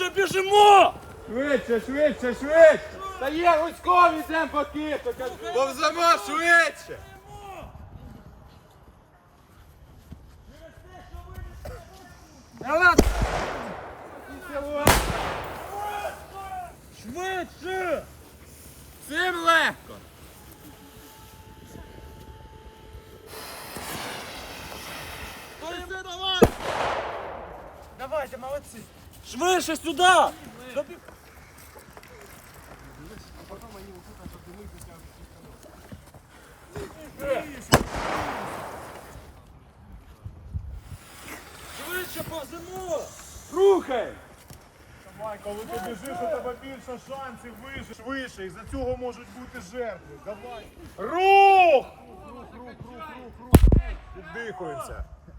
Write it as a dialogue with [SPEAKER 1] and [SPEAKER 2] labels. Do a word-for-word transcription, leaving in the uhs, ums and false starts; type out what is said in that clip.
[SPEAKER 1] Швидше біжимо!
[SPEAKER 2] Швидше, швидше, швидше! Та є Гуськов, йдемо по киту! Повземо швидше! Давай!
[SPEAKER 1] Швидше!
[SPEAKER 2] Цим легко!
[SPEAKER 1] Давай, давай!
[SPEAKER 2] Давайте, молодці!
[SPEAKER 1] Швидше сюди! Добі- Швидше повземо!
[SPEAKER 2] Рухай!
[SPEAKER 3] Давай, коли ти біжиш, у тебе більше шансів вижити швидше, і за цього можуть бути жертви. Давай. Рух! Рух, рух, рух, рух, рух, рух. Віддихуємося.